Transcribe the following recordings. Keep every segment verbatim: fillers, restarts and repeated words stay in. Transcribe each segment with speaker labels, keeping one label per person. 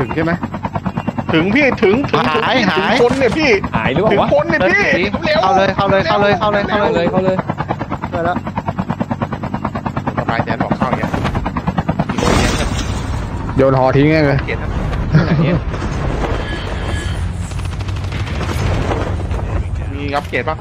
Speaker 1: ถึงใช่ไหม
Speaker 2: ถึงพี่ถึงถึง
Speaker 3: หายหาย
Speaker 2: คนเนี่ยพี่
Speaker 4: หายหรือเป
Speaker 2: ถึ
Speaker 4: ล่าง วะ
Speaker 2: คนเนี่ยพี่เร็ว
Speaker 3: เข้าเลยเข้าเลยเข้าเลยเข้าเลยเข้า
Speaker 4: เข้า
Speaker 3: เลย
Speaker 4: เลยเข้าเลย
Speaker 3: ไปแล้ว
Speaker 2: สบายใจบอกเข้าอย่างเงี้ย
Speaker 1: โยนหอทิ้งไงเลย
Speaker 2: เกียรติครับ
Speaker 4: ไหนเนี่ย
Speaker 2: มีรับเกียรติป่ะ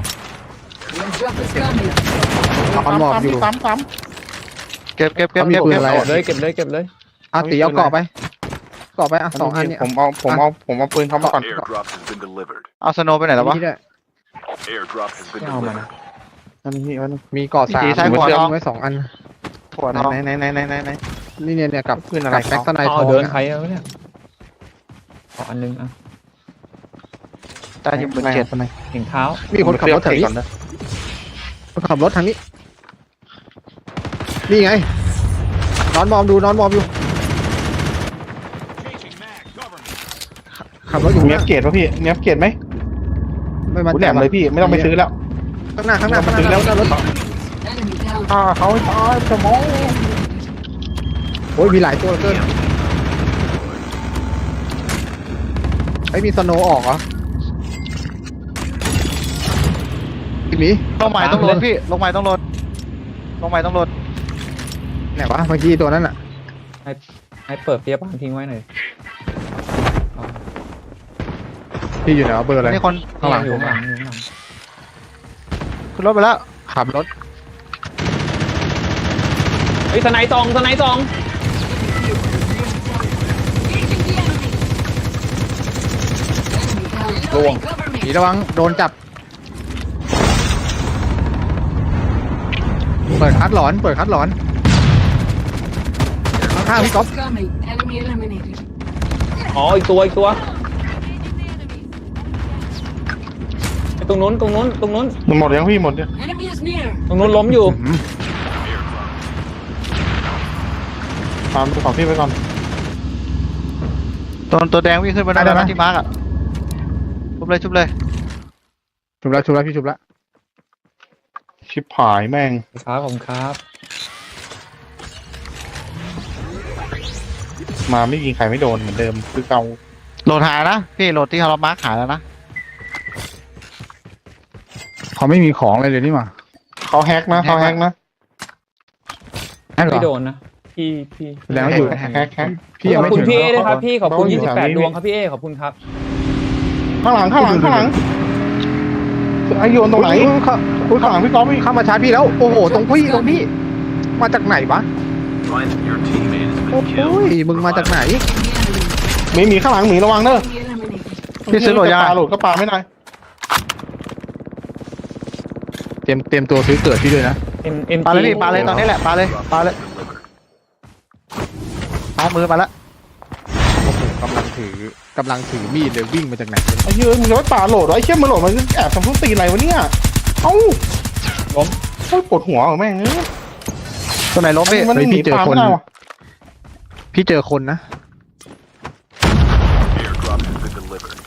Speaker 1: เอาหมอบอยู่
Speaker 2: ปั๊มปั๊ม
Speaker 3: เก็บเก็บเก็บ
Speaker 1: เขามี
Speaker 3: เก็บ
Speaker 1: ปืน
Speaker 3: เก็บ
Speaker 1: อะไร
Speaker 4: เก็บเลยเก็บเลยเก็บเลย
Speaker 1: เอาตีเอาเกาะไปเกาะไปอ่ะสองอันเนี่ย
Speaker 2: ผมเอาผมเอาผมเอาปืนเขามาก่อน
Speaker 5: Airdrop has been delivered.
Speaker 3: เอาสโนว์ไปไหนแล้ววะ
Speaker 1: นี่ด้วย
Speaker 5: Airdrop has been
Speaker 4: ไม่เอามานะ
Speaker 5: delivered.
Speaker 2: นั่นนี่อันนี้
Speaker 1: มีเกาะสาม
Speaker 3: สีซ้ายขวา
Speaker 1: เชื่อ
Speaker 3: ทอง
Speaker 1: มไว้สองอัน
Speaker 3: ถั่วทอง
Speaker 2: ไหนไหนไหนไหนไหนไหน
Speaker 1: นี่เนี่ยเนี่ยกับ
Speaker 2: ปืนอะไร
Speaker 1: ไก่แบ็คสไนท
Speaker 4: เอา
Speaker 1: อง
Speaker 4: เดิน
Speaker 1: อะ
Speaker 4: ใครเอาเนี่ยขออันนึงอ่ะ
Speaker 3: ได้ยิงปืนเจ็ด
Speaker 2: ไหน
Speaker 4: เห็นเท้า
Speaker 1: มีคนขับรถแถวนี้
Speaker 2: ก่อนนะ
Speaker 1: คนขับรถทางนี้นี่ไงนอนมอมดูนอนมอมอยู่ขับรถอยู่
Speaker 2: มีอัปเกรดป่ะพี่มีอัปเกรดไหม
Speaker 1: ไม่มา
Speaker 2: กูแหนมเลยพี่ไม่ต้องไปซื้อแล้ว
Speaker 1: ข้างหน้าข้างหน้าข้างหน้า
Speaker 2: ซื้อแล้ว
Speaker 1: ข้างหน้ารถ
Speaker 2: อ่าเขาตายสมอง
Speaker 1: โอ้ยมีหลายตัวเหลือเกินไอ้ยมีสโนว์ออกเหรออีกหมี
Speaker 3: ลงไม้ต้องลดพี่ลงไม้ต้องลดลงไม้ต้องลด
Speaker 1: ไหนวะเมื่อกี้ตัวนั้นอ่ะ
Speaker 4: ให้เปิดเปียบานทิ้งไว้หน่อย
Speaker 1: พี่อยู่ไหนวะเบอร์อะไร
Speaker 3: นี่คน
Speaker 1: ข้างหลัง
Speaker 4: อยู่
Speaker 1: ผม
Speaker 4: ข้างห
Speaker 1: อะ
Speaker 4: ลังอยู่ข้างหลัง
Speaker 3: ขึ้นรถไปแล้ว
Speaker 1: ขับรถ
Speaker 4: เฮ้ยสไนด์ตองสไนด์ตอง
Speaker 1: ลวงหมีระวังโดนจับเปิดคัดหลอนเปิดคัดหลอนข้างๆพี่ก๊อฟ
Speaker 6: Enemy eliminated.
Speaker 4: อ๋ออีกตัวอีกตัวไอ้ตรงนู้นตรงนู้นตรงนู้น
Speaker 2: หมดยังพี่หมดยัง
Speaker 6: Enemy is near.
Speaker 4: ตรงนู้นล้มอยู่
Speaker 1: อืม
Speaker 2: ตามดูของพี่ไว้ก่อน
Speaker 3: ตัวตัวแดงวิ่งขึ้นไปได้ไหมที่มาร์กอ่ะชุบเลยชุบเลย
Speaker 1: ชุบแล้วชุบแล้วพี่ชุบแล้ว
Speaker 2: ชิบหายแม่ง
Speaker 4: ครับผมครับ
Speaker 2: มาไม่ยิงใครไม่โดนเหมือนเดิมคือเก่า
Speaker 3: โหลดหายนะพี่โหลดที่เรามาร์กหายแล้วนะ
Speaker 1: เขาไม่มีของเลยเดี๋ยวนี้มา
Speaker 2: เขาแฮกนะเขาแฮกนะ
Speaker 1: แฮกเหร
Speaker 4: ไม่
Speaker 1: อ
Speaker 4: โดนนะพี่พี่
Speaker 1: แล้วอยู่
Speaker 2: แฮกแฮกแฮก
Speaker 1: พี่ยัง
Speaker 4: ขอบ
Speaker 1: ไม่
Speaker 4: คุณ
Speaker 1: ถึง
Speaker 4: พี่เอด้วยครับพี่ขอบคุณ
Speaker 2: เขาอยู่
Speaker 4: ยี่สิบแปด
Speaker 2: แถวนี้
Speaker 4: ดวงครับพี่เอขอบคุณครับ
Speaker 2: ข้างหลังข้างหลังข้างหลังไอโยนตรงไหน
Speaker 1: อุ๊ยเข้า
Speaker 2: อุ้ยข้างหลังพี่ก๊อฟพี่
Speaker 1: เข้ามาชาร์จพี่แล้วโอ้โหตรงพี่ตรงพี่มาจากไหนวะ
Speaker 5: Find that your teammate has
Speaker 1: โอ้
Speaker 5: been
Speaker 1: โห
Speaker 5: killed.
Speaker 1: มึงมาจากไหน
Speaker 2: หมีหมีข้างหลังหมีระวังเด้อ
Speaker 6: Enemy eliminated.
Speaker 3: พี่ซื้อโหลดยัง
Speaker 2: ปลาโหลดก็ปลาไม่ได้
Speaker 1: เตรียมเตรียมตัวซื้อเกิดพี่ด้วยนะ
Speaker 4: เอ็มเอ็ม
Speaker 3: ปาเลย
Speaker 4: จี
Speaker 3: พี่ปาเลยตอนนี้แหละปาเลยปาเลย เอามือมาแล้ว
Speaker 1: โอ้โหกำลังถือกำลังถือมีดเลยวิ่งมาจากไหน
Speaker 2: ไอ้เหี้ยมึงจะไปปลาโหลดวะไอ้เชี่ยมันโหลดมันแอบทำทุกตีอะไรวะเนี่ยเอ้า
Speaker 4: ล้ม
Speaker 2: โอ้ยปวดหัวเหรอแม่งเอ้ย
Speaker 3: ตัวไหนล้มพี่
Speaker 2: มัน
Speaker 1: เฮ้ย
Speaker 2: หนี
Speaker 1: พี่เจอ
Speaker 2: ปลา
Speaker 1: คน
Speaker 2: ไม่ได้วะ
Speaker 1: พี่เจอคนนะ
Speaker 5: Airdrop has been delivered.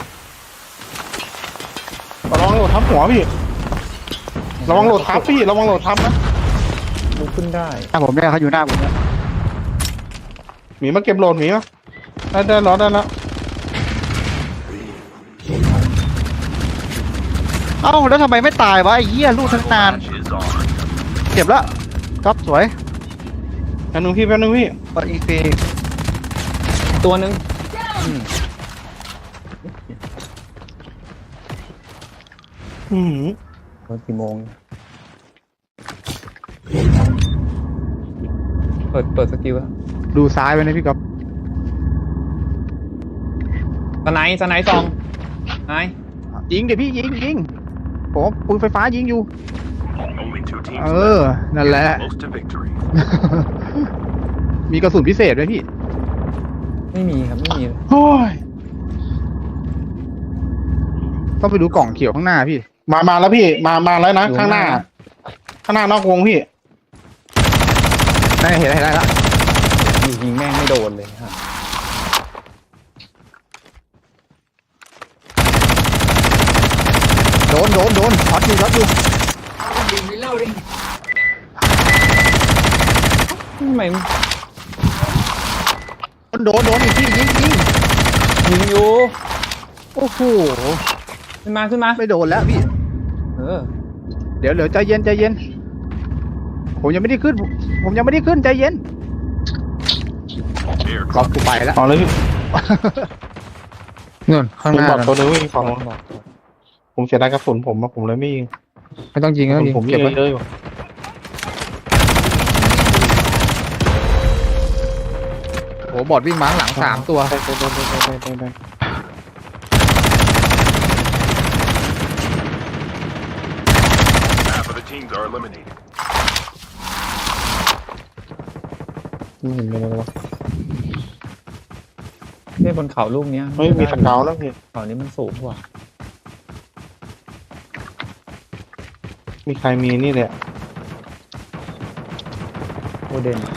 Speaker 2: ระวังโหลดทับหัวพี่ระวังโหลดทับพี่ระวังโหลดทับนะ
Speaker 4: ลุกขึ้นได้
Speaker 3: หน้าผมเนี่ยเขาอยู่หน้าผมเนี่ย
Speaker 2: หมีมาเก็บโหลดหมีวะได้ได้แล้วได้แล้ว
Speaker 3: เอ้าแล้วทำไมไม่ตายวะไอ้เหี้ยลูกทั้งนาน
Speaker 5: Match is on.
Speaker 3: เจ็บแล้วก๊อฟสวย
Speaker 2: แป๊บนึงพี่แป๊บนึงพี่
Speaker 3: กดอีกที
Speaker 4: ตัวหนึ่ง
Speaker 2: อืม
Speaker 4: ตอนกี่โมงเปิดเปิดสกิลแล้ว
Speaker 1: ดูซ้ายไว้นะพี่ก๊อฟ
Speaker 4: สไนด์สไนด์ตองไนด์
Speaker 1: ยิงเดี๋ยวพี่ยิงยิงผมปืนไฟฟ้ายิงอยู่
Speaker 5: Only two teams
Speaker 1: เออ
Speaker 5: left.
Speaker 1: นั่นแหละ
Speaker 5: Close to victory.
Speaker 1: มีกระสุนพิเศษไหมพี่
Speaker 4: ไม่มีครับไม่มีเลย
Speaker 2: โอ้ย
Speaker 1: ต้องไปดูกล่องเขียวข้างหน้าพี่
Speaker 2: มามาแล้วพี่มามาแล้วนะข้างหน้า ข้างหน้านอกวงพี่
Speaker 1: ได้เห็นได้เห็นได้แล้ว
Speaker 4: ยิงแม่งไม่โดนเลยครับ
Speaker 1: โดนโดนโดนช็อตอยู่ช็อตอยู่
Speaker 6: Reloading.
Speaker 4: ทำไม
Speaker 1: นโดนโดนอีกทียิงยิง
Speaker 4: ยิงอยู่
Speaker 1: โอ้โห
Speaker 4: ขึ้นมาขึ้นมา
Speaker 1: ไม่โดนแล้วพี่
Speaker 4: เออ
Speaker 1: เดี๋ยวเดี๋ยวใจเย็นใจเย็นผมยังไม่ได้ขึ้น ผมยังไม่ได้ขึ้นใจเย็น
Speaker 5: Air
Speaker 1: ล็อกกูไปแล้ว
Speaker 2: เอาเลยพี่
Speaker 1: นู่นข้าง
Speaker 2: ผม
Speaker 1: หน้า
Speaker 2: บอกตัวนึงวิ่งฝั่งนู้นผมเสียดายกระสุนผมอะผมเลยไม่ยิง
Speaker 1: ไม่ต้องยิง
Speaker 2: กระ
Speaker 1: แล้ว
Speaker 2: สุน
Speaker 1: ยิง
Speaker 2: ผมยิ
Speaker 1: เก็บ
Speaker 2: ง
Speaker 1: ไว้
Speaker 2: เยอะอยู่
Speaker 1: โอ้บอดวิ่งมาข้างหลังสามตัว
Speaker 2: ได้ได้ได้ได้ได้ได้
Speaker 5: half of the teams are eliminated.
Speaker 2: ไม่เห็นเลยเลยวะ
Speaker 4: เนี่ยบนเขาลูกเนี้ย
Speaker 2: เฮ้ยมีสเกาวแล้วพี่
Speaker 4: เขานี้มันสูงกว่า
Speaker 2: มีใครมีนี่เลยอะ
Speaker 4: โอเดน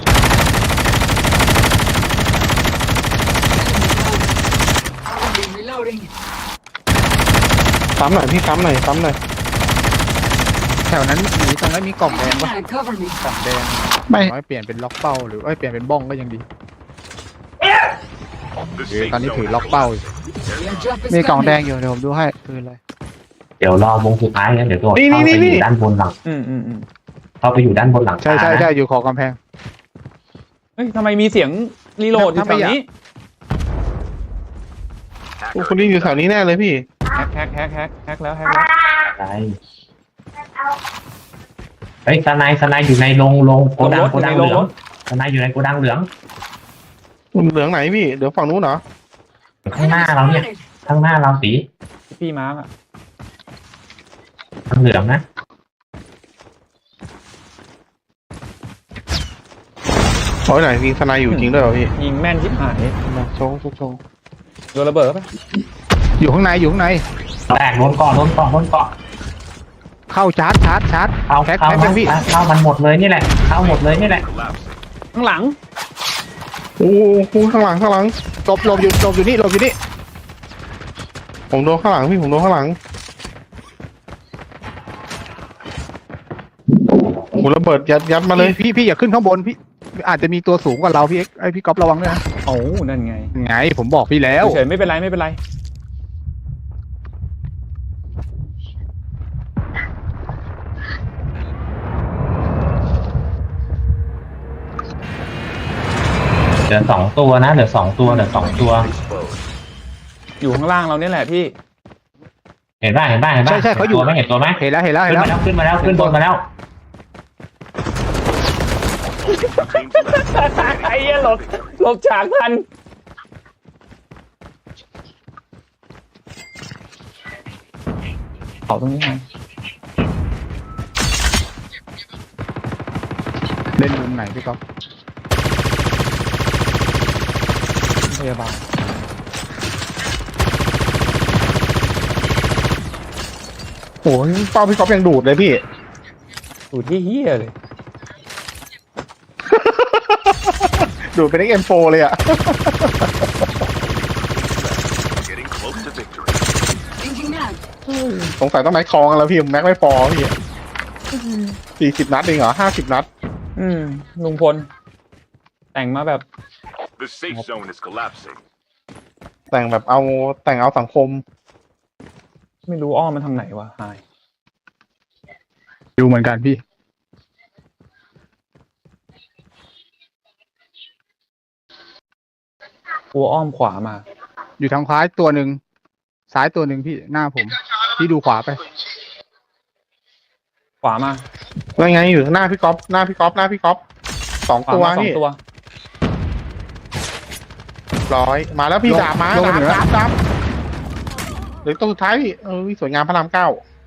Speaker 6: Reloading.
Speaker 2: ซ้ำหน่อยพี่ซ้ำหน่อยซ้ำหน่อย
Speaker 1: แถวนั้นมีตรงนั้นมีกล่องแดงปะ
Speaker 6: Mag, cover me.
Speaker 1: กล่องแดง
Speaker 3: ไม่
Speaker 1: น้อยเปลี่ยนเป็นล็อกเป้าหรือเอ้ยเปลี่ยนเป็นบ้องก็ยังดี
Speaker 5: The
Speaker 1: เออ
Speaker 5: safe
Speaker 1: ตอนนี้
Speaker 5: zone
Speaker 1: ถือ
Speaker 5: is
Speaker 1: ล็อกเป้า
Speaker 5: collapsing.
Speaker 1: อยู่
Speaker 6: Your job is
Speaker 3: มีกล่อง
Speaker 6: coming.
Speaker 3: แดงอยู่เดี๋ยวผมดูให้คืออะไร
Speaker 7: เดี๋ยวรอวงสุดท้ายงั้นเดี๋ยวตัว
Speaker 2: นี่
Speaker 7: เข้า
Speaker 2: นี่
Speaker 7: ไป
Speaker 2: นี่
Speaker 7: อยู่ด้านบนหลัง
Speaker 4: อืมอืมอืม
Speaker 7: เข้าไปอยู่ด้านบนหลัง
Speaker 1: ใช่ใช่
Speaker 7: คานะ
Speaker 1: ใช่อยู่ขอบกำแพง
Speaker 4: เฮ้ยทำไมมีเสียงรีโหลดอยู่
Speaker 1: ถ้าไม่
Speaker 4: แถว
Speaker 1: อยาก
Speaker 4: นี้
Speaker 2: โอ้คนนี้อยู่แถวนี้แน่เลยพี่
Speaker 4: แฮกแฮกแฮกแฮกแฮกแล้วแฮกแล้ว
Speaker 7: อะไรเฮ้ยสไนด์สไนด์อยู่ในโรงโรงโกดังโกดังเหลืองสไนด์อยู่ในโกดังเหลือง
Speaker 2: เหลืองไหนพี่เดี๋ยวฝั่งนู้นเหรอ
Speaker 7: ข้างหน้าเราเนี่ย ข้างหน้าเราสี
Speaker 4: พี่มาร์กอะ
Speaker 7: ทางเหลืองนะ
Speaker 2: โอ้ยไหนมีทนายอยู่จริงด้วยเหรอพี่
Speaker 4: ยิงแม่นชิบหาย
Speaker 2: มาโชว์โชว์โชว์
Speaker 4: โดนระเบิดปะ
Speaker 1: อยู่ข้างในอยู่ข้างใน
Speaker 7: แตกโดนเกาะโดนเกาะโดนเกาะ
Speaker 1: เข้าชาร์จชาร์จชาร์จ
Speaker 7: เข้า
Speaker 1: แพ็ค
Speaker 7: เข้า
Speaker 1: แพ็คยังพี่
Speaker 7: เข้ามันหมดเลยนี่แหละ เข้าหมดเลยนี่แหละ
Speaker 5: Collapsing.
Speaker 4: ข้างหลัง
Speaker 2: โอ้โหข้างหลังข้างหลัง
Speaker 1: หลบหลบอยู่หลบอยู่นี่หลบอยู่นี่
Speaker 2: ผมโดนข้างหลังพี่ผมโดนข้างหลังโอ้โหระเบิดยัดยัดมาเลย
Speaker 1: พี่พี่อย่าขึ้นข้างบนพี่อาจจะมีตัวสูงกว่าเราพี่เอ็กไอพี่ก๊อฟระวังด้วยนะ
Speaker 4: โอ้นั่นไง
Speaker 1: ไงผมบอกพี่แล้ว
Speaker 4: เฉยๆไม่เป็นไรไม่เป็นไร
Speaker 7: เหลือสองตัวนะ เหลือสองตัว เหลือสองตัว
Speaker 5: Exposed.
Speaker 4: อยู่ข้างล่างเราเนี่ยแหละพี่
Speaker 7: เห็นป่ะเห็นป่ะเห็นป่ะ
Speaker 1: ใช่ใช่เขาอยู่
Speaker 7: ตัวไหมเห็นตัวไหม
Speaker 1: เห็นแล้วเห็นแล้วเห็
Speaker 7: ขึ้
Speaker 1: น
Speaker 7: น
Speaker 1: แล้ว
Speaker 7: มาแล้วขึ้นมาแล้วขึ้นบนมาแล้ว
Speaker 5: Teams left.
Speaker 4: ไอ้เหี้ยหลบหลบฉากทัน เขาตรงนี้ไง
Speaker 1: เล่นมุมไหนพี่ก๊อฟ
Speaker 4: พยาบาล
Speaker 2: โอ้ยเป้าพี่ก๊อฟยังดูดเลยพี่
Speaker 4: ดูที่เฮียเลย
Speaker 2: ดูดเป็น เอ็ก เอ็ม โฟร์ เลยอะ
Speaker 5: Getting close to victory.
Speaker 6: Changing mag.
Speaker 2: สงสัยต้องแม็กคองกันแล้วพี่แม็กไม่พอพี่สี่สิบนัดเองเหรอห้าสิบนัด
Speaker 4: อืมลุงพล แต่งมาแบบ
Speaker 5: The safe zone is collapsing.
Speaker 2: แต่งแบบเอาแต่งเอาสังคม
Speaker 4: ไม่รู้อ้อมมันทางไหนวะหาย
Speaker 1: ดูเหมือนกันพี่
Speaker 4: กลัวอ้อมขวามา
Speaker 1: อยู่ทางซ้ายตัวหนึ่งซ้ายตัวหนึ่งพี่หน้าผม พี่ดูขวาไป
Speaker 4: ขวามา
Speaker 2: แล้วไงอยู่หน้าพี่ก๊อฟหน้าพี่ก๊อฟหน้าพี่ก๊อฟสอง
Speaker 4: ขวา
Speaker 2: ตัว
Speaker 4: มาสอง
Speaker 2: นี่
Speaker 4: ตัว
Speaker 2: ร้อยมาแล้วพี่
Speaker 1: ลง
Speaker 2: ดาบมา
Speaker 1: ลง
Speaker 2: ดาบ
Speaker 1: เหนือ
Speaker 2: ดาบดาบเหรือตัวสุดท้ายพี่เออสวยงามพระรามเก้า
Speaker 1: เ